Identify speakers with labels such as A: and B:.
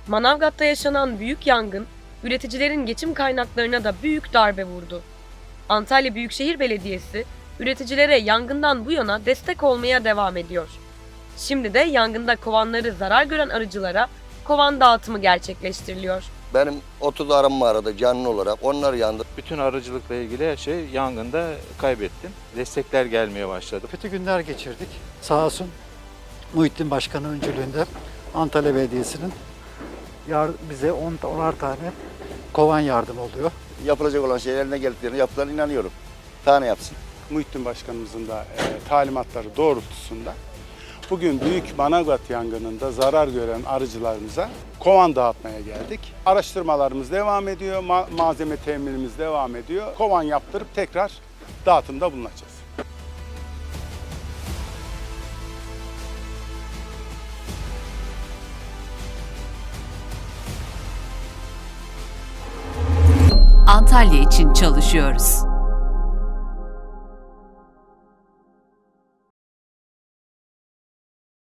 A: Manavgat'ta yaşanan büyük yangın, üreticilerin geçim kaynaklarına da büyük darbe vurdu. Antalya Büyükşehir Belediyesi, üreticilere yangından bu yana destek olmaya devam ediyor. Şimdi de yangında kovanları zarar gören arıcılara kovan dağıtımı gerçekleştiriliyor.
B: Benim 30 arım vardı canlı olarak, onlar yandı.
C: Bütün arıcılıkla ilgili her şey yangında kaybettim. Destekler gelmeye başladı.
D: Kötü günler geçirdik. Sağ olsun Muhittin Başkan'ın öncülüğünde Antalya Belediyesi'nin bize 10'ar tane kovan yardım oluyor.
B: Yapılacak olan şeyler ne geldiklerine yaptıklarına inanıyorum. Tane yapsın.
E: Muhittin Başkanımızın da talimatları doğrultusunda bugün büyük Manavgat yangınında zarar gören arıcılarımıza kovan dağıtmaya geldik. Araştırmalarımız devam ediyor, malzeme teminimiz devam ediyor. Kovan yaptırıp tekrar dağıtımda bulunacağız.
F: Antalya için çalışıyoruz.